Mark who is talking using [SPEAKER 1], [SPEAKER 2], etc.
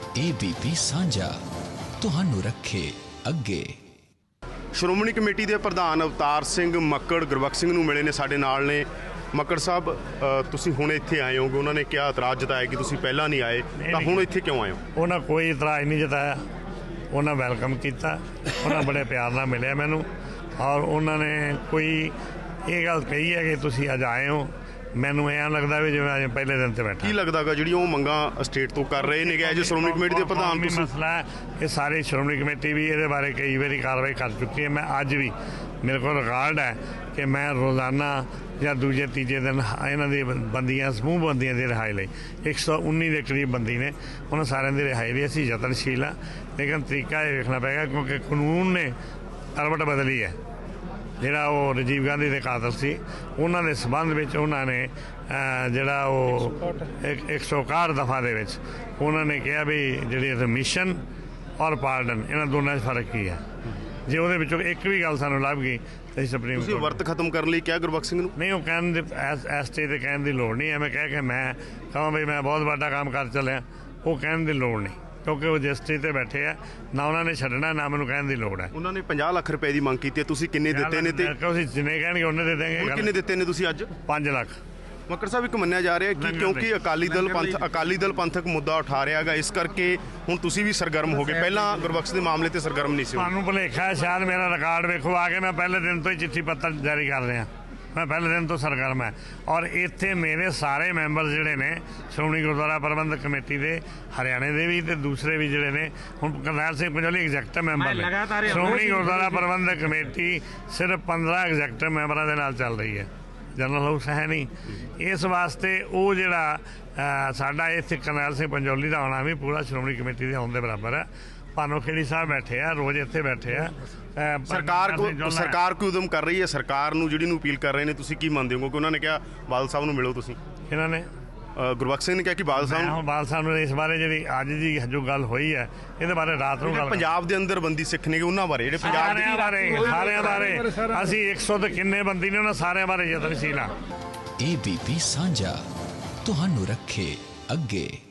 [SPEAKER 1] ABP ਸਾਂਝਾ ਤੁਹਾਨੂੰ ਰੱਖੇ ਅੱਗੇ।
[SPEAKER 2] ਸ਼੍ਰੋਮਣੀ ਕਮੇਟੀ ਦੇ ਪ੍ਰਧਾਨ ਅਵਤਾਰ ਸਿੰਘ ਮੱਕੜ ਗੁਰਬਖਸ਼ ਸਿੰਘ ਨੂੰ ਮਿਲੇ ਨੇ, ਸਾਡੇ ਨਾਲ ਨੇ। ਮੱਕੜ ਸਾਹਿਬ, ਤੁਸੀਂ ਹੁਣ ਇੱਥੇ ਆਏ ਹੋਗੇ, ਉਹਨਾਂ ਨੇ ਕਿਹਾ ਇਤਰਾਜ਼ ਜਤਾਇਆ ਕਿ ਤੁਸੀਂ ਪਹਿਲਾਂ ਨਹੀਂ ਆਏ, ਤਾਂ ਹੁਣ ਇੱਥੇ ਕਿਉਂ ਆਏ ਹੋ?
[SPEAKER 3] ਉਹਨਾਂ ਕੋਈ ਇਤਰਾਜ਼ ਨਹੀਂ ਜਤਾਇਆ, ਉਹਨਾਂ ਵੈਲਕਮ ਕੀਤਾ, ਉਹਨਾਂ ਬੜੇ ਪਿਆਰ ਨਾਲ ਮਿਲਿਆ ਮੈਨੂੰ, ਔਰ ਉਹਨਾਂ ਨੇ ਕੋਈ ਇਹ ਗੱਲ ਕਹੀ ਹੈ ਕਿ ਤੁਸੀਂ ਅੱਜ ਆਏ ਹੋ। ਮੈਨੂੰ ਐਂ ਲੱਗਦਾ ਵੀ ਜਿਵੇਂ ਅੱਜ ਪਹਿਲੇ ਦਿਨ ਤੇ ਬੈਠਾ। ਕੀ
[SPEAKER 2] ਲੱਗਦਾ ਗਾ ਜਿਹੜੀ ਉਹ ਮੰਗਾਂ ਸਟੇਟ ਤੋਂ ਕਰ ਰਹੇ ਨੇ ਐਜ ਸ਼੍ਰੋਮਣੀ ਕਮੇਟੀ ਦੇ ਪ੍ਰਧਾਨ?
[SPEAKER 3] ਵੀ ਮਸਲਾ ਹੈ, ਇਹ ਸਾਰੇ ਸ਼੍ਰੋਮਣੀ ਕਮੇਟੀ ਵੀ ਇਹਦੇ ਬਾਰੇ ਕਈ ਵਾਰੀ ਕਾਰਵਾਈ ਕਰ ਚੁੱਕੀ ਹੈ। ਮੈਂ ਅੱਜ ਵੀ ਮੇਰੇ ਕੋਲ ਰਿਕਾਰਡ ਹੈ ਕਿ ਮੈਂ ਰੋਜ਼ਾਨਾ ਜਾਂ ਦੂਜੇ ਤੀਜੇ ਦਿਨ ਇਹਨਾਂ ਦੀ ਬੰਦੀਆਂ, ਸਮੂਹ ਬੰਦੀਆਂ ਦੀ ਰਿਹਾਈ ਲਈ 119 ਦੇ ਕਰੀਬ ਬੰਦੀ ਨੇ, ਉਹਨਾਂ ਸਾਰਿਆਂ ਦੀ ਰਿਹਾਈ ਲਈ ਅਸੀਂ ਯਤਨਸ਼ੀਲ ਹਾਂ। ਲੇਕਿਨ ਤਰੀਕਾ ਇਹ ਵੇਖਣਾ ਪਏਗਾ ਕਿਉਂਕਿ ਕਾਨੂੰਨ ਨੇ ਕਰਵਟ ਬਦਲੀ ਹੈ। ਜਿਹੜਾ ਉਹ ਰਾਜੀਵ ਗਾਂਧੀ ਦੇ ਕਾਤਲ ਸੀ, ਉਹਨਾਂ ਦੇ ਸੰਬੰਧ ਵਿੱਚ ਉਹਨਾਂ ਨੇ ਜਿਹੜਾ ਉਹ 161 ਦਫਾ ਦੇ ਵਿੱਚ ਉਹਨਾਂ ਨੇ ਕਿਹਾ ਵੀ ਜਿਹੜੀ ਰਮਿਸ਼ਨ ਔਰ ਪਾਰਡਨ, ਇਹਨਾਂ ਦੋਨਾਂ 'ਚ ਫਰਕ ਕੀ ਹੈ। ਜੇ ਉਹਦੇ ਵਿੱਚੋਂ ਇੱਕ ਵੀ ਗੱਲ ਸਾਨੂੰ ਲੱਭ ਗਈ ਤਾਂ ਸੁਪਰੀਮ ਕੋਰਟ
[SPEAKER 2] ਵਰਤ ਖਤਮ ਕਰਨ ਲਈ ਕਿਹਾ ਗੁਰਬਖਸ਼ ਸਿੰਘ ਨੂੰ?
[SPEAKER 3] ਨਹੀਂ, ਉਹ ਕਹਿਣ ਦੀ ਇਸ ਸਟੇਜ 'ਤੇ ਕਹਿਣ ਦੀ ਲੋੜ ਨਹੀਂ। ਐਵੇਂ ਕਹਿ ਕੇ ਮੈਂ ਕਹਾਂ ਵੀ ਮੈਂ ਬਹੁਤ ਵੱਡਾ ਕੰਮ ਕਰ ਚੱਲਿਆ, ਉਹ ਕਹਿਣ ਦੀ ਲੋੜ ਨਹੀਂ, ਕਿਉਂਕਿ ਉਹ ਜਿਸ ਸਟੇਜ 'ਤੇ ਬੈਠੇ ਆ, ਨਾ ਉਹਨਾਂ ਨੇ ਛੱਡਣਾ, ਨਾ ਮੈਨੂੰ ਕਹਿਣ ਦੀ ਲੋੜ ਹੈ।
[SPEAKER 2] ਉਹਨਾਂ ਨੇ 50 ਲੱਖ ਰੁਪਏ ਦੀ ਮੰਗ ਕੀਤੀ ਹੈ, ਤੁਸੀਂ ਕਿੰਨੇ ਦਿੱਤੇ ਨੇ? ਤੇ
[SPEAKER 3] ਤੁਸੀਂ ਜਿੰਨੇ ਕਹਿਣਗੇ ਉਹਨੇ ਦੇ ਦੇਂਗੇ।
[SPEAKER 2] ਕਿੰਨੇ ਦਿੱਤੇ ਨੇ ਤੁਸੀਂ ਅੱਜ?
[SPEAKER 3] 5 ਲੱਖ।
[SPEAKER 2] ਮੱਕੜ ਸਾਹਿਬ, ਇੱਕ ਮੰਨਿਆ ਜਾ ਰਿਹਾ ਕਿ ਕਿਉਂਕਿ ਅਕਾਲੀ ਦਲ ਪੰਥਕ ਮੁੱਦਾ ਉਠਾ ਰਿਹਾ ਹੈਗਾ, ਇਸ ਕਰਕੇ ਹੁਣ ਤੁਸੀਂ ਵੀ ਸਰਗਰਮ ਹੋ ਗਏ। ਪਹਿਲਾਂ ਗੁਰਬਖਸ਼ ਦੇ ਮਾਮਲੇ ਤੇ ਸਰਗਰਮ ਨਹੀਂ ਸੀ।
[SPEAKER 3] ਤੁਹਾਨੂੰ ਭੁਲੇਖਾ ਹੈ ਸ਼ਾਇਦ, ਮੇਰਾ ਰਿਕਾਰਡ ਵੇਖੋ ਆ ਕੇ। ਮੈਂ ਪਹਿਲੇ ਦਿਨ ਤੋਂ ਹੀ ਚਿੱਠੀ ਪੱਤਰ ਜਾਰੀ ਕਰ ਰਿਹਾ, ਮੈਂ ਪਹਿਲੇ ਦਿਨ ਤੋਂ ਸਰਗਰਮ ਹੈ। ਔਰ ਇੱਥੇ ਮੇਰੇ ਸਾਰੇ ਮੈਂਬਰ ਜਿਹੜੇ ਨੇ ਸ਼੍ਰੋਮਣੀ ਗੁਰਦੁਆਰਾ ਪ੍ਰਬੰਧਕ ਕਮੇਟੀ ਦੇ, ਹਰਿਆਣੇ ਦੇ ਵੀ ਤੇ ਦੂਸਰੇ ਵੀ ਜਿਹੜੇ ਨੇ, ਹੁਣ ਕਰਨੈਲ ਸਿੰਘ ਪੰਜੋਲੀ ਐਗਜ਼ੈਕਟਿਵ ਮੈਂਬਰ ਨੇ। ਸ਼੍ਰੋਮਣੀ ਗੁਰਦੁਆਰਾ ਪ੍ਰਬੰਧਕ ਕਮੇਟੀ ਸਿਰਫ 15 ਐਗਜ਼ੈਕਟਿਵ ਮੈਂਬਰਾਂ ਦੇ ਨਾਲ ਚੱਲ ਰਹੀ ਹੈ, ਜਨਰਲ ਹਾਊਸ ਹੈ ਨਹੀਂ। ਇਸ ਵਾਸਤੇ ਉਹ ਜਿਹੜਾ ਸਾਡਾ ਇੱਥੇ ਕਰਨੈਲ ਸਿੰਘ ਪੰਜੋਲੀ ਦਾ ਆਉਣਾ ਵੀ ਪੂਰਾ ਸ਼੍ਰੋਮਣੀ ਕਮੇਟੀ ਦੇ ਆਉਣ ਦੇ ਬਰਾਬਰ ਹੈ। ਭਾਨੋ ਖੇੜੀ ਸਾਹਿਬ ਬੈਠੇ ਆ, ਰੋਜ਼ ਇੱਥੇ ਬੈਠੇ ਆ।
[SPEAKER 2] ਸਰਕਾਰ ਕੋਈ ਉਦਮ ਕਰ ਰਹੀ ਹੈ, ਸਰਕਾਰ ਨੂੰ ਜਿਹੜੀ ਨੂੰ ਅਪੀਲ ਕਰ ਰਹੇ ਨੇ, ਤੁਸੀਂ ਕੀ ਮੰਨਦੇ ਹੋ? ਕਿਉਂਕਿ ਉਹਨਾਂ ਨੇ ਕਿਹਾ ਬਾਦਲ ਸਾਹਿਬ ਨੂੰ ਮਿਲੋ ਤੁਸੀਂ।
[SPEAKER 3] ਇਹਨਾਂ ਨੇ
[SPEAKER 2] ਗੁਰਬਖਸ਼ ਸਿੰਘ ਨੇ ਕਿਹਾ ਕਿ ਬਾਦਲ
[SPEAKER 3] ਸਾਹਿਬ ਨੂੰ ਇਸ ਬਾਰੇ ਜਿਹੜੀ ਅੱਜ ਦੀ ਜੋ ਗੱਲ ਹੋਈ ਹੈ, ਇਹਦੇ ਬਾਰੇ ਰਾਤ ਨੂੰ ਗੱਲ,
[SPEAKER 2] ਪੰਜਾਬ ਦੇ ਅੰਦਰ ਬੰਦੀ ਸਿੱਖ ਨੇ ਉਹਨਾਂ ਬਾਰੇ, ਜਿਹੜੇ ਪੰਜਾਬ
[SPEAKER 3] ਸਾਰਿਆਂ ਬਾਰੇ ਅਸੀਂ 100 ਤੇ ਕਿੰਨੇ ਬੰਦੀ ਨੇ, ਉਹਨਾਂ ਸਾਰਿਆਂ ਬਾਰੇ ਯਤਨਸ਼ੀਲ ਹਾਂ।
[SPEAKER 1] ABP ਸਾਂਝਾ ਤੁਹਾਨੂੰ ਰੱਖੇ ਅੱਗੇ।